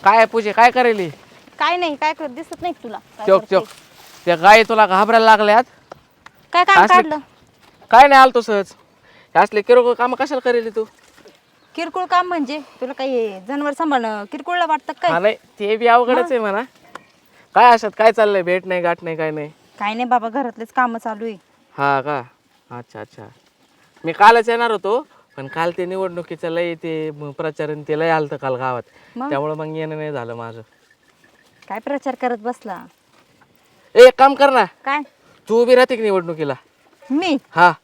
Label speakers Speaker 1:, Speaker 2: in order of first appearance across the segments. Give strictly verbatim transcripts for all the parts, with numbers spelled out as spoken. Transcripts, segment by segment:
Speaker 1: काय पूजे काय करेली?
Speaker 2: काय नाही, काय करत दिसत नाही तुला काय
Speaker 1: चोक
Speaker 2: करते?
Speaker 1: चोक त्या गाय तुला घाबरायला लागल्यात.
Speaker 2: काय काम
Speaker 1: असले-
Speaker 2: काढलं?
Speaker 1: काय नाही आलतो सहज. हे असले किरकोळ काम कशाला करेली तू?
Speaker 2: किरकोळ काम म्हणजे तुला काही जनावर सांभाळणं किरकोळला वाटतं
Speaker 1: हा
Speaker 2: काय?
Speaker 1: नाही ते बी अवघडच आहे म्हणा. काय अशात काय चाललंय? भेट नाही गाठ नाही काय नाही.
Speaker 2: काय नाही बाबा, घरातलेच काम चालू आहे.
Speaker 1: हा का? अच्छा अच्छा. मी कालच येणार होतो पण काल ते निवडणुकीचं लय ते म- प्रचारण ते लय आलतं काल गावात.
Speaker 2: मग?
Speaker 1: त्यामुळे मग येणं नाही झालं माझं.
Speaker 2: काय प्रचार करत बसला?
Speaker 1: ए एक काम कर ना,
Speaker 2: काय
Speaker 1: तू उभी राहते की निवडणुकीला?
Speaker 2: मी
Speaker 1: हा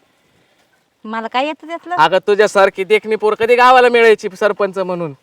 Speaker 2: मला काय येतं त्यातलं?
Speaker 1: अगं तुझ्यासारखी देखणी पोर कधी गावाला मिळायची सरपंच म्हणून?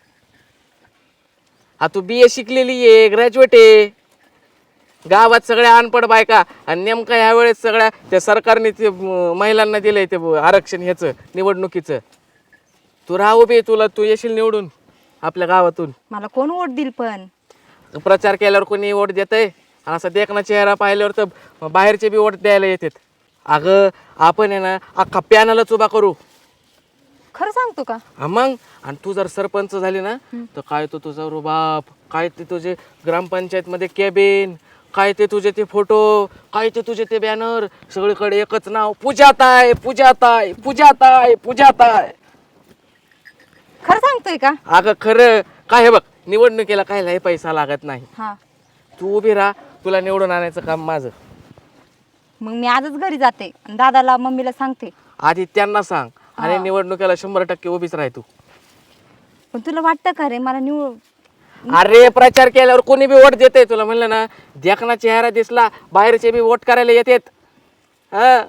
Speaker 1: हा तू बी ए शिकलेली आहे, ग्रॅज्युएट आहे. गावात सगळ्या अनपड बायका आणि नेमका ह्या वेळेस सगळ्या त्या सरकारने ते म- महिलांना दिलंय ते ब- आरक्षण ह्याचं निवडणुकीचं. तू राहा उभी, तुला तू येशील निवडून आपल्या गावातून.
Speaker 2: मला कोण वोट देईल पण?
Speaker 1: प्रचार केल्यावर कोणी वोट देतंय? आणि असा देखना चेहरा पाहिल्यावर तर बाहेरचे बी वोट द्यायला येतात. अगं आपण आहे ना अख्खा पॅनलच उभा करू.
Speaker 2: खरं सांगतो का?
Speaker 1: हा मग, आणि तू जर सरपंच झाली ना तर काय तो तुझा रुबाब, काय ते तुझे ग्रामपंचायत मध्ये कॅबिन, काय ते तुझे ते फोटो, काय ते तुझे ते बॅनर, सगळीकडे एकच नाव, पूजाताई पूजाताई पूजाताई पूजाताई.
Speaker 2: खरं सांगतोय का?
Speaker 1: अगं खरं काय हे बघ, निवडणुकीला काय लय पैसा लागत नाही.
Speaker 2: हा,
Speaker 1: तू उभी राहा, तुला निवडून आणायचं काम माझं.
Speaker 2: मग मी आजच घरी जाते आणि दादाला मम्मीला सांगते.
Speaker 1: आधी त्यांना सांग आणि निवडणुकीला शंभर टक्के उभीच राह तू.
Speaker 2: पण तुला वाटतं का रे मला निवड
Speaker 1: अरे प्रचार केल्यावर कोणी बी वोट देते. तुला म्हणलं ना, देखना चेहरा दिसला बाहेरचे बी वोट करायला येतात. हा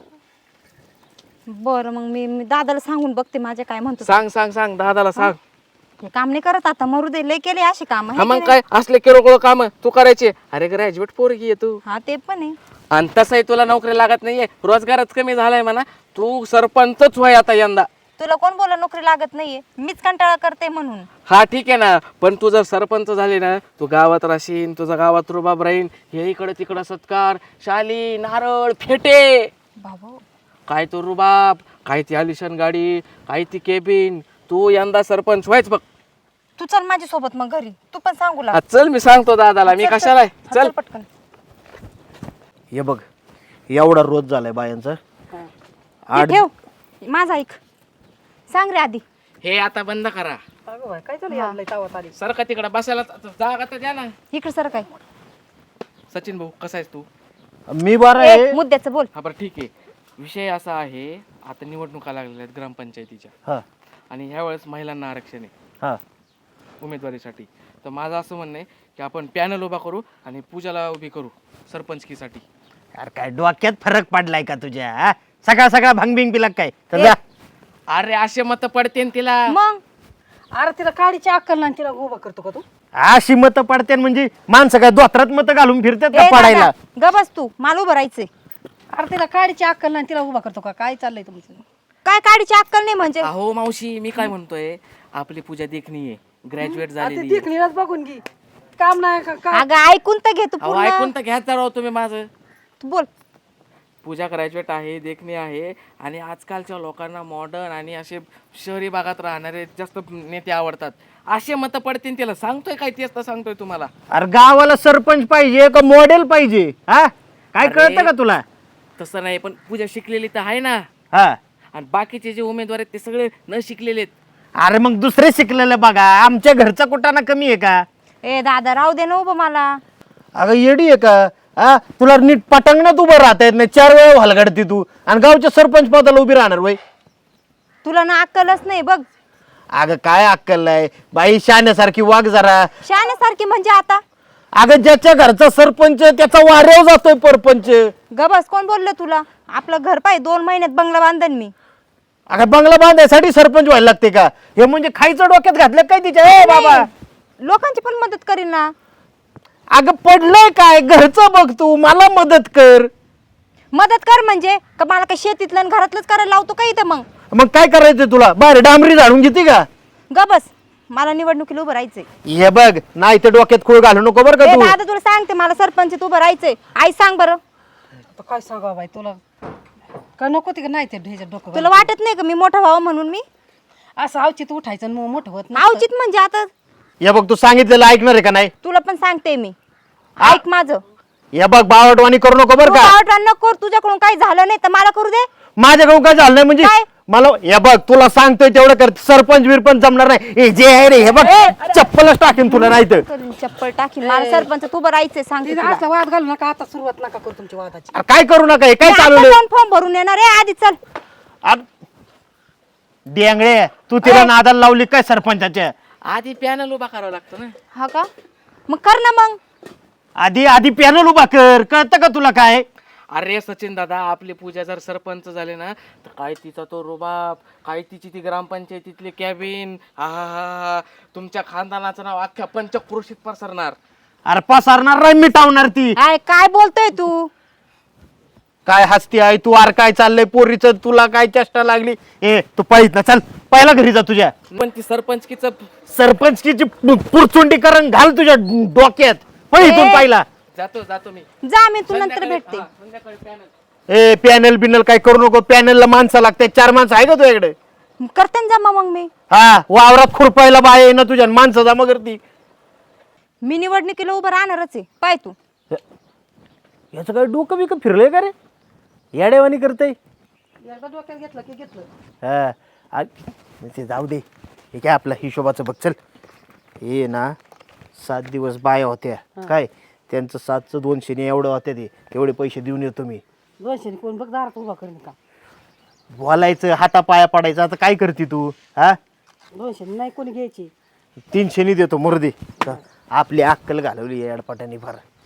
Speaker 2: बरं, मग मी मी दादाला सांगून बघते माझे काय म्हणतो.
Speaker 1: सांग सांग सांग दादाला सांग.
Speaker 2: हे काम नाही करत आता, मरू दे, लय केले असे काम.
Speaker 1: हा मग काय असले किरकोळ काम तू करायचे? अरे ग्रॅज्युएट पोरगी आहे तू.
Speaker 2: हा ते पण आहे.
Speaker 1: आणि तसंही तुला नोकरी लागत नाहीये, रोजगारच कमी झालाय म्हणा. तू सरपंचच व्हाय आता यंदा.
Speaker 2: तुला कोण बोला नोकरी लागत नाहीये? मीच कंटाळा करते म्हणून.
Speaker 1: हा ठीक आहे ना, पण तू जर सरपंच झाली ना, तू गावात राहशील, तुझा गावात रुबाब राहील. हे इकडं तिकडं सत्कार, शाली, नारळ, फेटे,
Speaker 2: बाबा
Speaker 1: काय तो रुबाब, काय ती आलिशान गाडी, काय ती केबिन. तू यंदा सरपंच व्हायच बघ.
Speaker 2: तू चल माझ्या सोबत मग घरी, तू पण सांगू लाग.
Speaker 1: हा, चल मी सांगतो दादाला. मी
Speaker 2: चल,
Speaker 1: कशाला आहे?
Speaker 2: चल
Speaker 1: चल
Speaker 2: पटकन.
Speaker 3: हे बघ, एवढा रोज झालाय बायांचा.
Speaker 2: हे ठेव, माझा ऐक. सांग रे आधी.
Speaker 1: हे आता बंद करा.
Speaker 4: काय चालू
Speaker 1: सर का तिकडे बसायला जागा तर द्या ना.
Speaker 2: इकडे सर काय
Speaker 1: सचिन भाऊ कसा आहेस तू?
Speaker 3: मी बरं आहे.
Speaker 2: मुद्द्याचं बोल.
Speaker 1: हा बरं ठीक आहे. विषय असा आहे, आता निवडणुका लागलेल्या आहेत ग्रामपंचायतीच्या
Speaker 3: हा
Speaker 1: आणि ह्या वेळेस महिलांना आरक्षण आहे
Speaker 3: हा
Speaker 1: उमेदवारीसाठी. तर माझं असं म्हणणं आहे की आपण पॅनल उभा करू आणि पूजाला उभी करू सरपंचकीसाठी.
Speaker 3: अरे काय डोक्यात फरक पडलाय का तुझ्या? हा? सकाळ सकाळ भांगबिंग पिला काय? तर जा.
Speaker 1: अरे असे मत पडते तिला.
Speaker 2: मग
Speaker 4: अरे तिला काडीची अक्कल नाही, तिला उभा करतो का तू?
Speaker 3: अशी मत पडते म्हणजे माणसं काय दोत्रात मत घालून फिरतात
Speaker 2: ए
Speaker 3: का पडायला?
Speaker 2: दादा, ग बस तू, मला उभं राहायचंय.
Speaker 4: अरे तिला काडीची अक्कल नाही, तिला उभा करतो का? काय चाललंय तुमचं?
Speaker 2: काय काढीची अक्कल नाही म्हणजे?
Speaker 1: अहो मावशी, मी काय म्हणतोय, आपली पूजा देखणी आहे, ग्रॅज्युएट
Speaker 4: ती
Speaker 1: झालेली आहे.
Speaker 4: देखणीलाच बघून घे, काम नाही का काय?
Speaker 2: अगं ऐकून तर घे तू
Speaker 1: अहो
Speaker 2: पूर्ण.
Speaker 1: ऐकून तर घ्यायचं राव तुम्ही माझं.
Speaker 2: तू बोल.
Speaker 1: पूजा ग्रॅज्युएट आहे, देखणी आहे आणि आजकालच्या लोकांना मॉडर्न आणि असे शहरी भागात राहणारे जास्त नेते आवडतात. असे मत पडतील तिला. सांगतोय काय, तेच तर सांगतोय तुम्हाला.
Speaker 3: अरे गावाला सरपंच पाहिजे का मॉडेल पाहिजे? हा काय
Speaker 1: अरे,
Speaker 3: कळतं का तुला?
Speaker 1: तसं नाही, पण पूजा शिकलेली तर आहे ना.
Speaker 3: हा
Speaker 1: आणि बाकीचे जे उमेदवार आहेत ते सगळे न शिकलेले आहेत.
Speaker 3: अरे मग दुसरे शिकलेले बघा. आमच्या घरचा कुठाना कमी आहे का?
Speaker 2: ए दादा, राहू दे ना उभं मला.
Speaker 3: अगं येडी आहे का? हा तुला नीट पटांगणात उभं राहता येत नाही. चार वेळा हलगडती तू आणि गावच्या सरपंच पदाला उभी राहणार वय?
Speaker 2: तुला ना अक्कलच नाही बघ.
Speaker 3: अगं काय अक्कल आहे बाई, शाण्यासारखी वाघ जरा.
Speaker 2: शाण्यासारखी म्हणजे आता?
Speaker 3: अगं ज्याच्या घरचा सरपंच त्याचा वाऱ्यावर जातोय परपंच.
Speaker 2: ग बस, कोण बोललं तुला? आपलं घर पाय, दोन महिन्यात बंगला बांधन मी.
Speaker 3: अगं बंगला बांधायसाठी सरपंच व्हायला लागते का? हे म्हणजे खायचं डोक्यात घातलं काय तिच्या? ए बाबा,
Speaker 2: लोकांची पण मदत करीन ना.
Speaker 3: अगं पडलंय काय? घरचं बघ तू, मला मदत कर.
Speaker 2: मदत कर म्हणजे का मला काही शेतीतलं आणि घरातलंच करायला लावतो का इथं? मग
Speaker 3: मग काय करायचं तुला? बाहेर डांबरी झाडून घेते का?
Speaker 2: ग बस, मला निवडणुकीला उभं राहायचंय.
Speaker 3: हे बघ, नाही तर डोक्यात खूळ घालू नको बरं का
Speaker 2: ए
Speaker 3: तू.
Speaker 2: दादा, तुला सांगते, मला सरपंच उभं राहायचंय. आई सांग बरं.
Speaker 4: आता काय सांगावं बाई तुला? का नको ती का नाही ते ढेच्या डोकं
Speaker 2: तुला वाटत नाही का मी मोठा व्हावं म्हणून? मी
Speaker 4: असं अवचित उठायचं आणि मग मोठं होत नाही.
Speaker 2: आवचित म्हणजे आता
Speaker 3: या बघ तू सांगितलेलं ऐकणार आहे का नाही?
Speaker 2: तुला पण सांगते मी, ऐक माझं.
Speaker 3: या बघ बावटवाणी करू नको बरं
Speaker 2: तू
Speaker 3: का.
Speaker 2: बावटवाणी नको करू, तुझ्याकडून काही झालं नाही तर मला करू दे.
Speaker 3: माझ्याकडून काय झालं नाही म्हणजे
Speaker 2: काय?
Speaker 3: मला या बघ तुला सांगतोय तेवढं कर. सरपंच बिरपंच जमणार नाही. हे जे आहे रे हे बघ चप्पलच टाकेन तुला नाही तर.
Speaker 2: करून चप्पल टाकी मला सरपंच तू बरं राहायचंय सांगते
Speaker 4: तिथे
Speaker 2: तुला.
Speaker 4: असला वाद घालू नका, आता सुरुवात नका करू तुमच्या वादाची.
Speaker 3: अरे काय करू नका हे काय
Speaker 2: मी आता
Speaker 3: चालवलं
Speaker 2: जाऊन फॉर्म भरून येणार आहे, आधी चल.
Speaker 3: डेंगळे तू तिला नादाला लावली काय सरपंचाच्या?
Speaker 1: आधी पॅनल उभा करावं लागतं ना.
Speaker 2: हा का? मग कर ना मग.
Speaker 3: आधी आधी पॅनल उभा कर. कळतं का तुला काय?
Speaker 1: अरे सचिन दादा, आपली पूजा जर सरपंच झाले ना तर काय तिचा तो रुबाब, काय तिची ती ग्रामपंचायतीतली कॅबिन, हा हा हा, तुमच्या खानदानाचं नाव अख्ख्या पंचक्रोशीत पसरणार.
Speaker 3: अरे पसरणार नाही मिटावणार ती.
Speaker 2: काय काय बोलतोय तू?
Speaker 3: काय हसती आहे तू? अरे काय चाललंय पोरीचं? तुला काय चेष्टा लागली? ए तू पळीत ना, चल पहिला घरी जा तुझ्या.
Speaker 1: पण ती सरपंचकीचं
Speaker 3: सरपंचकीची पुरचुंडीकरण घाल तुझ्या डोक्यात. पळीतून
Speaker 2: ए.
Speaker 3: पाहिला.
Speaker 1: जातो जातो मी
Speaker 2: जा, मी तू नंतर भेटते.
Speaker 1: हा, संध्याकाळी पॅनल.
Speaker 3: ए पॅनल बिनल काय करू नको. पॅनलला माणसं लागते. चार माणसं आहे का तुझ्याकडे?
Speaker 2: करते ना जमा मग मी.
Speaker 3: हा वावरात खुरपायला बाय आहे ना तुझ्या, माणसं जमा करती.
Speaker 2: मी निवडणुकीला उभं राहणारच आहे, पाय तू.
Speaker 3: याचं काय डोकं बिकं फिरलंय का रे? याडेवानी करते.
Speaker 4: एकदा डोक्यात घेतलं की घेतलं.
Speaker 3: हा आ- ते जाऊ दे. हे काय आपला हिशोबाचं बघ. चल हे ना सात दिवस बाया होत्या काय, त्यांचं सातचं दोनशे ने एवढं होत्या ते तेवढे पैसे देऊन येतो मी.
Speaker 4: दोनशे कोण बघ दारात उभा करेन का?
Speaker 3: बोलायचं हातापाया पडायचं. आता काय करते तू? हा
Speaker 4: दोनशे नाही कोणी घ्यायची.
Speaker 3: तीनशे नि देतो मुर्दे. आपली अक्कल घालवली या अडपाटाने फार.